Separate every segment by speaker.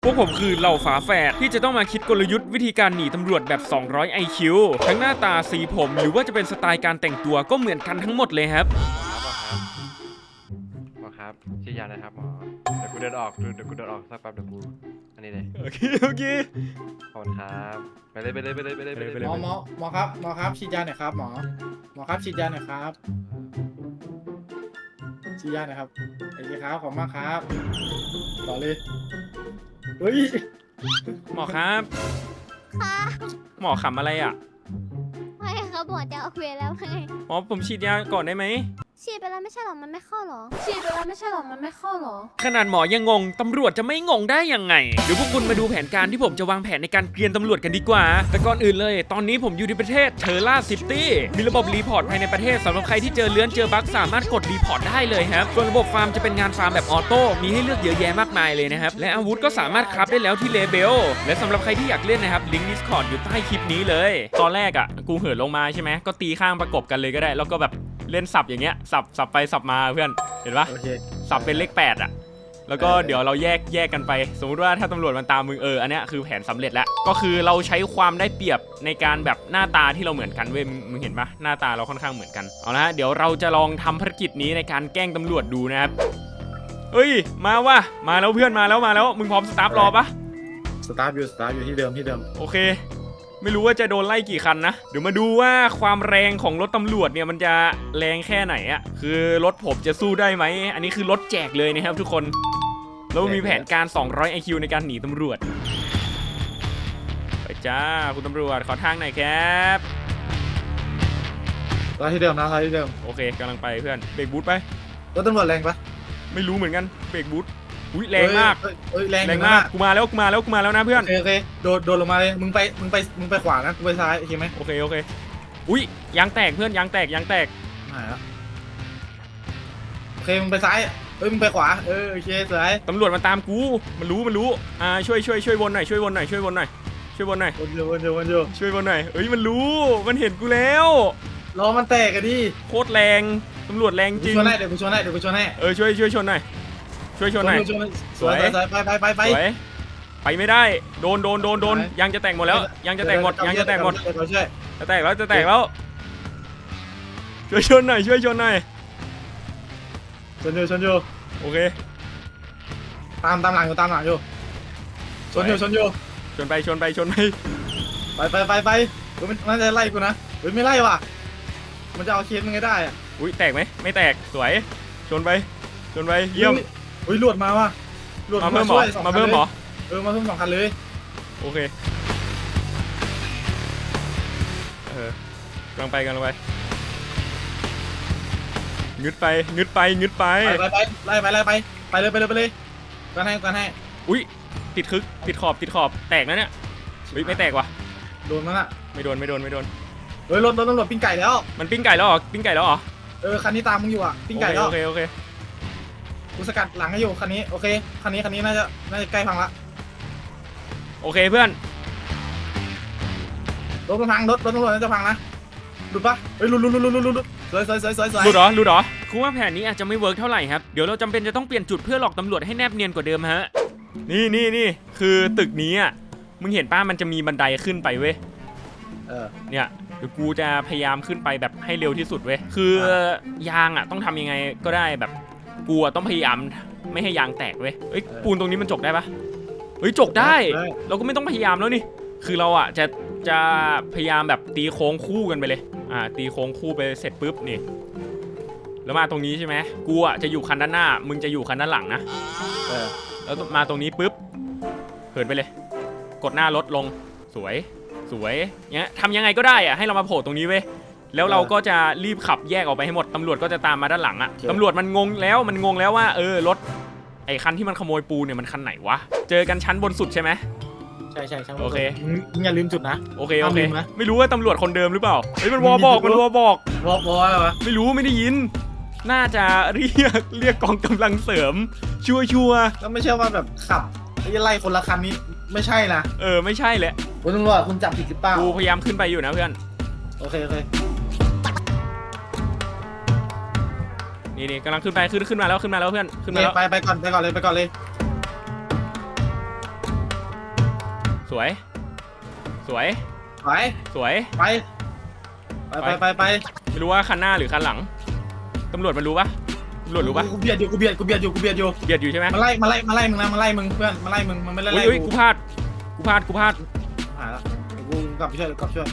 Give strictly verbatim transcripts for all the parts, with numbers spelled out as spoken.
Speaker 1: พวกผมคือเหล่าฝาแฝดที่จะต้องมาคิดกลยุทธ์วิธีการหนีตำรวจแบบ สองร้อย ไอ คิว ทั้งหน้าตาสีผมหรือว่าจะเป็นสไตล์การแต่งตัวก็เหมือนกันทั้งหมดเลยครับ
Speaker 2: หมอครับชี้ยานะครับหมอเดี๋ยวกูเดินออกเดี๋ยวกูเดินออกสักแป๊บเดี๋ยวกูอันนี้เลย
Speaker 1: โอเคโอเค
Speaker 2: ขอบคุณครับไปเลยไปเลยไปเลยไปเลยไปเลย
Speaker 3: หมอหมอหมอครับหมอครับฉีดยาหน่อยครับหมอหมอครับฉีดยาหน่อยครับฉีดยาหน่อยครับไอ้ครับขอบมากครับต่อเลยเฮ้ย
Speaker 1: หมอครับ
Speaker 4: ค่ะ
Speaker 1: หมอขำอะไรอ่ะ
Speaker 4: ไม่ครับหมอจะเอาเวรแล้วไง
Speaker 1: หมอผมฉีดยาก่อนได้ไหม
Speaker 4: ฉีดไปแล้วไม่ใช่หรอมันไม่เข้าหรอฉีดไปแล้วไม่ใช่หรอมันไม่เข้าหรอ
Speaker 1: ขนาดหมอยังงงตำรวจจะไม่งงได้ยังไงเดี๋ยวพวกคุณมาดูแผนการที่ผมจะวางแผนในการเกลียนตำรวจกันดีกว่าแต่ก่อนอื่นเลยตอนนี้ผมอยู่ในประเทศเทอร์ล่าซิตี้มีระบบรีพอร์ตภายในประเทศสำหรับใครที่เจอเลื้อนเจอบั๊กสามารถกดรีพอร์ตได้เลยครับส่วนระบบฟาร์มจะเป็นงานฟาร์มแบบออโต้มีให้เลือกเยอะแยะมากมายเลยนะครับและอาวุธก็สามารถคราฟได้แล้วที่เลเบลและสำหรับใครที่อยากเล่นนะครับลิงก์ Discord อยู่ใต้คลิปนี้เลยตอนแรกอ่ะกูเหินลงมาใช่ไหมก็ตีข้างประกบกันเลยก็ได้แล้วก็แบบเล่นสับอย่างเงี้ยสับสับไปสับมาเพื่อนเห็นปะ
Speaker 3: โอเค
Speaker 1: สับเป็นเลขแปดอ่ะแล้วก็เดี๋ยวเราแยกแยกกันไปสมมุติว่าถ้าตำรวจมันตามมึงเอออันเนี้ยคือแผนสำเร็จแล้วก็คือเราใช้ความได้เปรียบในการแบบหน้าตาที่เราเหมือนกันเว้ยมึงเห็นปะหน้าตาเราค่อนข้างเหมือนกันเอาละเดี๋ยวเราจะลองทำภารกิจนี้ในการแกล้งตำรวจดูนะครับเฮ้ยมาว่ะมาแล้วเพื่อนมาแล้วมาแล้วมึงพร้อมสตาร์ทรอปะ
Speaker 3: สตาร์ทอยู่สตาร์ทอยู่ที่เดิมที่เดิม
Speaker 1: โอเคไม่รู้ว่าจะโดนไล่กี่คันนะเดี๋ยวมาดูว่าความแรงของรถตำรวจเนี่ยมันจะแรงแค่ไหนอะคือรถผมจะสู้ได้ไหมอันนี้คือรถแจกเลยนะครับทุกคนแล้วมีแผนการ สองร้อย ไอ คิว ในการหนีตำรวจไปจ้าคุณตำรวจขอทางหน่อยครับ
Speaker 3: สตาร์ทที่เดิมนะสตาร์ทที่เดิม
Speaker 1: โอเคกำลังไปเพื่อนเบรกบูทไป
Speaker 3: รถตำรวจแรงปะ
Speaker 1: ไม่รู้เหมือนกันเบรกบูทอุ้ยแรงมาก
Speaker 3: เอ้ยเอ้ยแรง
Speaker 1: แรงมากกูมาแล้วกูมาแล้วกูมาแล้วนะเพื่อน
Speaker 3: โอเคโอเคโดดโดดลงมาเลยมึงไปมึงไปมึงไปขวานะกูไปซ้ายโอเคไหม
Speaker 1: โอเคโอเคอุ้ยยางแตกเพื่อนยางแตกยางแตก
Speaker 3: หายแล้วโอเคมึงไปซ้ายเอ้ยมึงไปขวาเออโอเคสวย
Speaker 1: ตำรวจมาตามกูมันรู้มันรู้อ่าช่วยช่วยช่วยวนหน่อยช่วยวนหน่อยช่วยวนหน่อยช่วยวนหน่อย
Speaker 3: วนอยู่วนอยู่วนอยู่
Speaker 1: ช่วยวนหน่อยเอ้ยมันรู้มันเห็นกูแล้ว
Speaker 3: ล้อมันแตกกันดิ
Speaker 1: โคตรแรงตำรวจแรงจริง
Speaker 3: ชนให้เดี๋ยวกูชนให้เดี๋ยวกูชนให้
Speaker 1: เออช่วยช่วยชนหน่อยช่วยชนหน่อย
Speaker 3: ชนสวยสวยไปไปไปไป
Speaker 1: สวยไปไม่ได้โดนโดนโดนโดนยางจะแตกหมดแล้วยางจะแตกหมดยางจะแตกหมด
Speaker 3: เราช่วย
Speaker 1: จะแตกแล้วจะแตกแล้วช่วยชนหน่อยช่วยชนหน่อย
Speaker 3: ชนอยู่ชนอยู่
Speaker 1: โอเค
Speaker 3: ตามตามหลังอยู่ตามหลังอยู่ชนอยู่ชนอยู่
Speaker 1: ชนไปชนไปชนไป
Speaker 3: ไปไปไปไปเฮ้ยมันน่าจะไล่กูนะเฮ้ยไม่ไล่ว่ะมันจะเอาเคสมันไงได้อะ
Speaker 1: อุ้ยแตกไหมไม่แตกสวยชนไปชนไปเยี่ยม
Speaker 3: เฮ้ยหลวดมาว่ะหลวด
Speaker 1: มาเพิ่มหม
Speaker 3: ช่
Speaker 1: อ
Speaker 3: วยสองคั
Speaker 1: มาน เพิ่มหมอ
Speaker 3: เออมาเพิ่มสองคันเลย
Speaker 1: โอเคเออกำลังไปกำลังไปงึดไปงึดไปงึดไป
Speaker 3: ไปไปไปไล่ไปไล่ไปไปเลยไปเลยไปเลยกันให้กันให้
Speaker 1: อุ้ยติดคึกติดขอบติดขอบแตกนะเนี่ยเฮ้ยไม่แตกว่ะ
Speaker 3: โดนมันอะ
Speaker 1: ไม่โดนไม่โดนไม่โดน
Speaker 3: เฮ้ยรถรถตำรวจปิ้งไก่แล้ว
Speaker 1: มันปิ้งไก่แล้วเหรอปิ้งไก่แล้วเหรอ
Speaker 3: เออคันนี้ตามมึงอยู่อะปิ้งไก่แล้ว
Speaker 1: โอเคโอเค
Speaker 3: กูสกัดหลังให้อยู่คันนี้โอเคคันนี้คันนี้น่าจะน่าจะใกล้พังละ
Speaker 1: โอเคเพื่อน
Speaker 3: รถมันพังรถรถตำรวจน่าจะพังนะหลุดปะเฮ้ยหลุดหลุดหลุดหลุดหลุดหลุดสวยสวยสวยสวยสวย
Speaker 1: หลุดเหรอหลุดเหรอคือว่าแผนนี้อาจจะไม่เวิร์กเท่าไหร่ครับเดี๋ยวเราจำเป็นจะต้องเปลี่ยนจุดเพื่อหลอกตำรวจให้แนบเนียนกว่าเดิมฮะนี่นี่นี่คือตึกนี้อ่ะมึงเห็นป้ามันจะมีบันไดขึ้นไปเว้ย
Speaker 3: เออ
Speaker 1: เนี่ยเดี๋ยวกูจะพยายามขึ้นไปแบบให้เร็วที่สุดเว้ยคือยางอ่ะต้องทำยังไงก็ได้แบบกูอ่ะต้องพยายามไม่ให้ยางแตกเว้ยเอ้ยปูนตรงนี้มันจกได้ปะเฮ้ยจกได้เราก็ไม่ต้องพยายามแล้วนี่คือเราอ่ะจะจะพยายามแบบตีโค้งคู่กันไปเลยอ่าตีโค้งคู่ไปเสร็จปุ๊บนี่แล้วมาตรงนี้ใช่ไหมกูอ่ะจะอยู่คันด้านหน้ามึงจะอยู่คันด้านหลังนะ
Speaker 3: เออ
Speaker 1: แล้วมาตรงนี้ปุ๊บเหินไปเลยกดหน้ารถลงสวยสวยเนี้ยทำยังไงก็ได้อะให้เรามาโผล่ตรงนี้เว้ยแล้วเราก็จะรีบขับแยกออกไปให้หมดตำรวจก็จะตามมาด้านหลังอะตำรวจมันงงแล้วมันงงแล้วว่าเออรถไอ้คันที่มันขโมยปูเนี่ยมันคันไหนวะเจอกันชั้นบนสุดใช่ไหม
Speaker 3: ใช่ใช่ใช่
Speaker 1: โอเค
Speaker 3: มึงอย่าลืมจุดนะ
Speaker 1: โอเคโอเค
Speaker 3: ห้ามลืมนะ
Speaker 1: ไม่รู้ว่าตำรวจคนเดิมหรือเปล่าเฮ้ยมันวอบอกมันวอบอก
Speaker 3: วอลวอลอะไรวะ
Speaker 1: ไม่รู้ไม่ได้ยิน น่าจะเรียกเรียกกองกำลังเสริมชัวชัว
Speaker 3: ก็ไม่ใช่ว่าแบบขับไอ้ไล่คนละคันนี้ไม่ใช่นะ
Speaker 1: เออไม่ใช่แหละ
Speaker 3: คุณตำรวจคุณจับผิดหรือเปล่า
Speaker 1: กูพยายามขึ้นไปอยู่นะเพื่อน
Speaker 3: โอเคโอเค
Speaker 1: นี่นี่กำลังขึ้นไปขึ้นขึ้นมาแล้วขึ้นมาแล้วเพื่อนขึ้น
Speaker 3: โอ
Speaker 1: มา
Speaker 3: เค
Speaker 1: แล้ว
Speaker 3: ไปไปก่อนไปก่อนเลยไปก่อนเลย
Speaker 1: สวยสวย
Speaker 3: ไป
Speaker 1: สวย
Speaker 3: ไปไปไปไป
Speaker 1: ไม่รู้ว่าคันหน้าหรือคันหลังตำรวจมันรู้ปะตำรวจรู้ปะ
Speaker 3: กูเบียดอยู่กูเบียดกูเบียดอยู่กูเบียดอยู่
Speaker 1: เบียดอยู่ใช่ไหม
Speaker 3: มาไล่มาไล่มาไล่มึงนะมาไล่มึงเพื่อนมาไล่มึงมันไม่ไล่
Speaker 1: อุ้ย
Speaker 3: ไล่
Speaker 1: อุ้ยกูพลาดกูพลาดกูพลาด
Speaker 3: หายละเดี๋ยวกูกลับไปช่วยกลับไปช่วย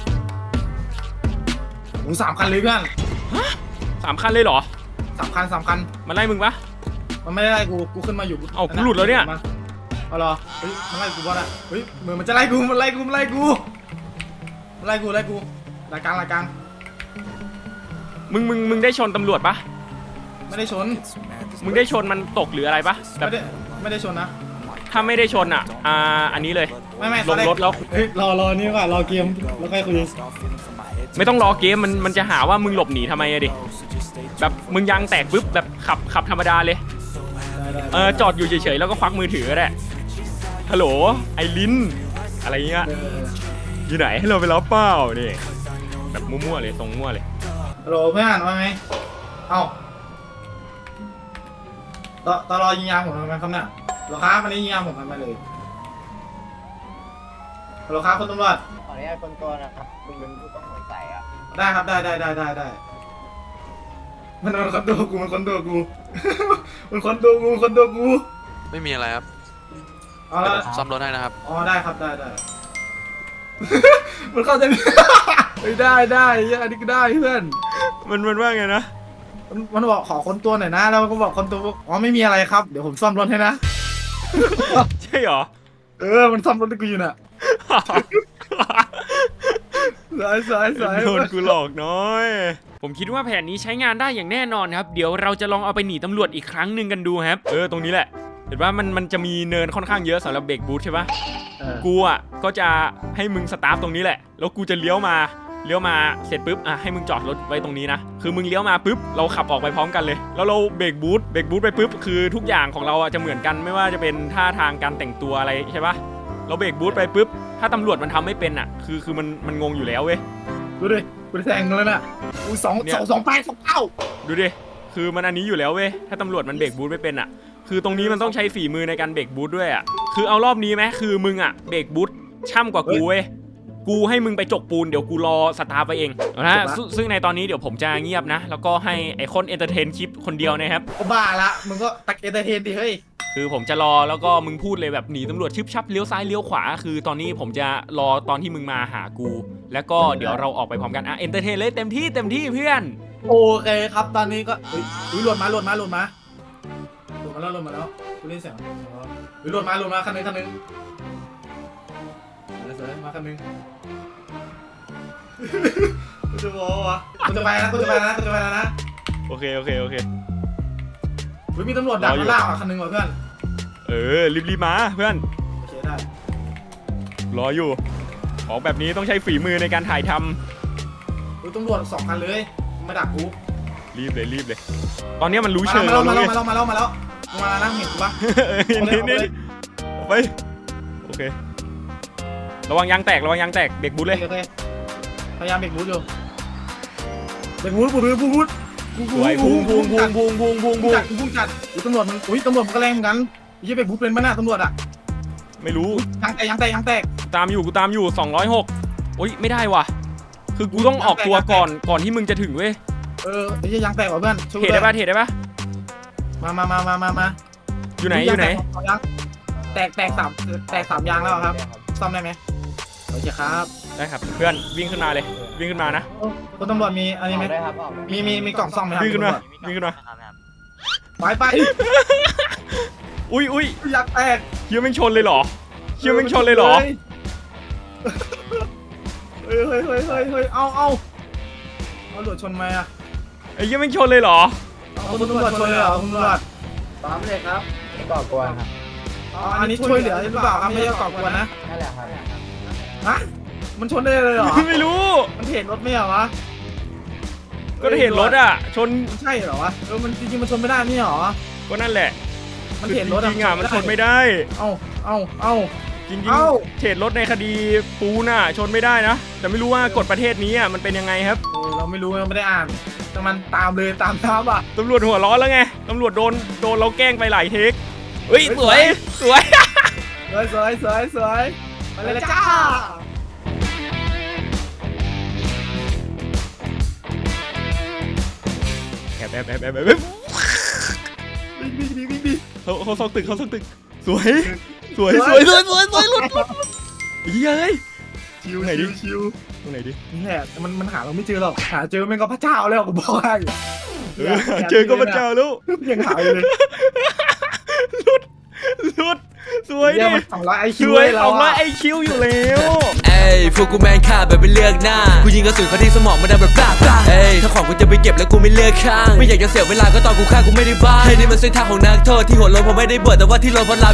Speaker 3: มึงสามคันเลยเพื่อน
Speaker 1: สามคันเลยเหรอ
Speaker 3: สามคันสามคัน
Speaker 1: มันไล่มึงปะ
Speaker 3: มันไม่ได้ไล่กูกูขึ้นมาอยู่
Speaker 1: เอ้ากูหลุดแล้วเนี่ย
Speaker 3: เอาเหรอเฮ้ยมันไล่กูบอสอะเฮ้ยเหมือนมันจะไล่กูมันไล่กูมันไล่กูมันไล่กูไล่กูรายกลางรายกลาง
Speaker 1: มึงมึงมึงได้ชนตำรวจปะ
Speaker 3: ไม่ได้ชน
Speaker 1: มึงได้ชนมันตกหรืออะไรปะแบ
Speaker 3: ไม่
Speaker 1: บ
Speaker 3: ได้ไม่ได้ชนนะ
Speaker 1: ถ้าไม่ได้ชนอ่ะอ่าอันนี้เลย
Speaker 3: ไม่ไม่
Speaker 1: ลงรถแล้ว
Speaker 3: เฮ้ยรอรอนี่ว่ะรอเกมแล้วค่อยคุย
Speaker 1: ไม่ต้องรอเกมมันมันจะหาว่ามึงหลบหนีทำไมอะดิแบบมึงยางแตกปุ๊บแบบขับขับธรรมดาเลย
Speaker 3: ได้ได้
Speaker 1: เออจอดอยู่เฉยๆแล้วก็ควักมือถือก็ได้ฮัลโหลไอลินอะไรเงี้ย
Speaker 3: เออ
Speaker 1: อยู่ไหนให้เราไปรับเปล่านี่แบบมั่วๆเลยตรงมั่วเลย
Speaker 3: ฮัลโหลเพื่อนว่าไงเอ้าตตอรอยิงยางผมทำไมครับเนี่ยเหรอครับวันนี้ยิงยางผมทำไมเลยฮัลโหลครับคุณตำรวจ
Speaker 5: ขออนุญาตคนตัวนะครับคุณเป็นผู้ต้องสงสัยอ่ะ
Speaker 3: ได้ครับได้ได้ได้ได้ได้มันมันคนตัวกูมันคนตัวกู มันคนตัวกูมันคนตัวกู
Speaker 6: ไม่มีอะไรครับ
Speaker 3: เอา
Speaker 6: เดี๋
Speaker 3: ละ
Speaker 6: ยวผมซ่อมรถให้นะครับ
Speaker 3: อ๋อได้ครับได้ได้ มันเข้าใจไหม ไม่ได้ได้เหี้ยอันนี้ก็ได้เพื่อน
Speaker 1: มันมันว่าไงนะ
Speaker 3: มันมันบอกขอคนตัวหน่อยนะแล้วมันก็บอกคนตัวอ๋อไม่มีอะไรครับเดี๋ยวผมซ่อมรถให้นะ
Speaker 1: ใช่เหรอ
Speaker 3: เออมันซ่อมรถให้กูอยู่น่ะสายสายสาย
Speaker 1: โดนกูหลอกน้อย ผมคิดว่าแผนนี้ใช้งานได้อย่างแน่นอนครับ เดี๋ยวเราจะลองเอาไปหนีตำรวจอีกครั้งหนึ่งกันดูครับ เออตรงนี้แหละ เห็นว่ามันมันจะมีเนินค่อนข้างเยอะสำหรับเบรกบูทใช่ปะ
Speaker 3: เออ
Speaker 1: กูอ่ะก็จะให้มึงสตาร์ทตรงนี้แหละ แล้วกูจะเลี้ยวมาเลี้ยวมาเสร็จปุ๊บอ่ะให้มึงจอดรถไว้ตรงนี้นะคือมึงเลี้ยวมาปุ๊บเราขับออกไปพร้อมกันเลย แล้วเราเบรกบูทเบรกบูทไปปุ๊บคือทุกอย่างของเราอ่ะจะเหมือนกันไม่ว่าจะเป็นท่าทางการแต่งตัวอะไรใช่ปะเราเบรกบูทไปปุ๊บถ้าตำรวจมันทำไม่เป็นอ่ะคือคือมันมันงงอยู่แล้วเว้ย
Speaker 3: ดูดิกูได้แทงเลยน่ะอุ้ยสอง
Speaker 1: เนี่ย
Speaker 3: สองสองแปดสองเก้า
Speaker 1: ดูดิคือมันอันนี้อยู่แล้วเว้ยถ้าตำรวจมันเบรกบูทไม่เป็นอ่ะคือตรงนี้มันต้องใช้ฝีมือในการเบรกบูทด้วยอ่ะคือเอารอบนี้ไหมคือมึงอ่ะเบรกบูทช่ำกว่ากูเว้ยกูให้มึงไปจกปูนเดี๋ยวกูรอสตาร์ไปเองนะซึ่งซึ่งในตอนนี้เดี๋ยวผมจะเงียบนะแล้วก็ให้ไอคอนเอนเตอร์เทนคลิปคนเดียวนะครับ
Speaker 3: ก็บ้าละมึงก็ตักเอเตอร์เทนดิเฮ้ย
Speaker 1: คือผมจะรอแล้วก็มึงพูดเลยแบบหนีตำรวจชึบชับเลี้ยวซ้ายเลี้ยวขวาคือตอนนี้ผมจะรอตอนที่มึงมาหากู แล้วก็เดี๋ยวเราออกไปพร้อมกันอ่ะเอนเตอร์เทนเลยเต็มที่เต็มที่เพื่อน
Speaker 3: โอเคครับตอนนี้ก็เฮ้ยอุ้ยหล่นมาหล่นมาหล่นมาหล่นมาแล้วหล่นมาแล้วกูได้ยินเสียงเฮ้ยหล่นมาหล่นมาคันหนึงคันหนึงเสร็จมาคันหนึงกูจะบอกวะกูจะไปนะกูจะไปนะกูจะไปแล้วนะ
Speaker 1: โอเคโอเคโอเค
Speaker 3: เฮ้ยมีตำรวจดักมาล่าอ่ะคันหนึงว่ะเพื่อน
Speaker 1: เออรีบๆมาเพื่อน
Speaker 3: โอเคได้
Speaker 1: รออยู่ของแบบนี้ต้องใช้ฝีมือในการถ่ายท
Speaker 3: เฮ้ยตำรวจสองคันเลยมาดักกู
Speaker 1: ำรีบเลยรีบเลย ตอนนี้มันรู้
Speaker 3: มา
Speaker 1: เชิง
Speaker 3: แล้วมา
Speaker 1: เรา
Speaker 3: แล้ว
Speaker 1: รู้
Speaker 3: มา
Speaker 1: ไง
Speaker 3: แล้วมาแล้วมาแล้วมาแล้วมาแล้วนั่งเห็นกูปะ
Speaker 1: เอ้ยนี่นี่ไปโอเคระวังยางแตกระวังยางแตกเบรกบูทเลย
Speaker 3: โอเคพยายามเบรกบูทอยู่เบรกบูทบูทบูทบูท
Speaker 1: สวยพุงพุงพุงพุงพุงพุง
Speaker 3: พุ่
Speaker 1: พุ
Speaker 3: ง
Speaker 1: ง
Speaker 3: จัดพุ่งจัดอุ้ยตำรวจมันอุ้ยตำรวจมันก็แรงเหมือนกันยี่เบรกบูทเป็นมั้ยน่ะตำรวจอ่ะ
Speaker 1: ไม่รู้
Speaker 3: ยางแตกยางแตกยางแตก
Speaker 1: กูตามอยู่กูตามอยู่สองร้อยหกโอ๊ยไม่ได้ว่ะคือกูต้องออกตัวก่อนก่อนที่มึงจะถึงเว้ย
Speaker 3: เออไอ้ยี่ยางแตกว่ะเพื่อนช่วย
Speaker 1: เทรดได้ปะเทรดได้ปะ
Speaker 3: มามามามามามา
Speaker 1: อยู่ไหนอยู่ไหน
Speaker 3: แตกแตกสามแตกสามยางแล้วครับซ่อมได้ไหมโอเคครับ
Speaker 1: ได้ครับเพื่อนวิ่งขึ้นมาเลยวิ่งขึ้นมานะ
Speaker 3: คุณตำรวจมีอันนี้ไหม
Speaker 5: ได้ครับออกได้
Speaker 3: มีมีมีกล่องซ่อมไหมครับ
Speaker 1: วิ่งขึ้นมาวิ่งขึ้นมา
Speaker 3: ไปไป
Speaker 1: อุ้ยอุ้ย
Speaker 3: ยางแตก
Speaker 1: เฮียแม่งชนเลยเหรอเฮียแม่งชนเลยเหรอ
Speaker 3: เฮ้ยเฮ้ยเฮ้ยเฮ้ยเฮ้ยเอาเอาเอาหลุดชนไหมอ่ะ
Speaker 1: ไอ้เฮียแม่งชนเลยเหรอ
Speaker 3: เอาคุณตำรวจชนเลยเหรอคุณตำรวจ
Speaker 5: ตามเลยครับไม่ก่อกวนครับ
Speaker 3: อ๋ออันนี้ช่วยเหลือหรือเปล่าครับไม่ใช่ก่อกวนนะ
Speaker 5: นั่นแหละครับ
Speaker 3: ฮะมันชนได้เลยเหรอ
Speaker 1: ไม่รู้
Speaker 3: มันเห็นรถไม่เหรอวะ
Speaker 1: ก็เห็นรถอ่ะชน
Speaker 3: มันใช่เหรอวะเออมันจริงๆมันชนไม่ได้ไม่เหรอ
Speaker 1: ก็นั่นแหละ
Speaker 3: มัน
Speaker 1: คือ
Speaker 3: เห็นรถ
Speaker 1: จริงๆอ่ะมันชนไม่ได้
Speaker 3: เอ้าเอ้าเอ้า
Speaker 1: จริง
Speaker 3: เอ้า
Speaker 1: ๆเทรดรถในคดีปูน่ะชนไม่ได้นะแต่ไม่รู้ว่ากฎประเทศนี้อ่ะมันเป็นยังไงครับ
Speaker 3: เออเราไม่รู้เราไม่ได้อ่านแต่มันตามเลยตามท้าอ่ะ
Speaker 1: ตำรวจหัวร้อนแล้วไงตำรวจโดนโดนเราแกล้งไปหลายเทคเฮ้ย
Speaker 3: เฮ้ย
Speaker 1: สวยสวย
Speaker 3: สวยสวยสวยสวยไปเลยจ้า
Speaker 1: แอบแอบแอบแอบแอบ
Speaker 3: วิ่งวิ่งวิ่งวิ่งวิ่ง
Speaker 1: เขาเขาซอกตึกเขาซอกตึกสวยสวยสวยสวยสวยสวยหลุดหลุดเฮ้ย
Speaker 3: ชิว
Speaker 1: ไหนดิ
Speaker 3: ชิว
Speaker 1: ตรงไหนดิ
Speaker 3: นี่แหละมันมันหาเราไม่เจอหรอกหาเจอแม่งก็พระเจ้าแล้วกูบอกให้
Speaker 1: เออเจอก็พระเจ้าแล้ว
Speaker 3: ยังหาอยู่เลย
Speaker 1: หลุดหลุดสวย
Speaker 3: เยี่
Speaker 1: ดิ
Speaker 3: ยมันสองร้อยไอ
Speaker 1: ส
Speaker 3: คิว
Speaker 1: วย
Speaker 3: เรา
Speaker 1: สองร้อยไอ
Speaker 3: อะ
Speaker 1: คิวอยู่แล้ว
Speaker 6: เอ้ยพวกกูแมนฆ่าแบบไม่เลือกหน้ากูยิงกระสุนเข้าที่สมองมันดังแบบปลาปลาเอ้ยถ้าของกูจะไปเก็บแล้วกูไม่เลือกข้างไม่อยากจะเสียเวลาก็ตอนกูฆ่ากูไม่ได้บ้าเฮ้ยนี่มันเส้นทางของนักโทษที่หัวโล้นผมไม่ได้บวชแต่ว่าที่โล้นเพราะลา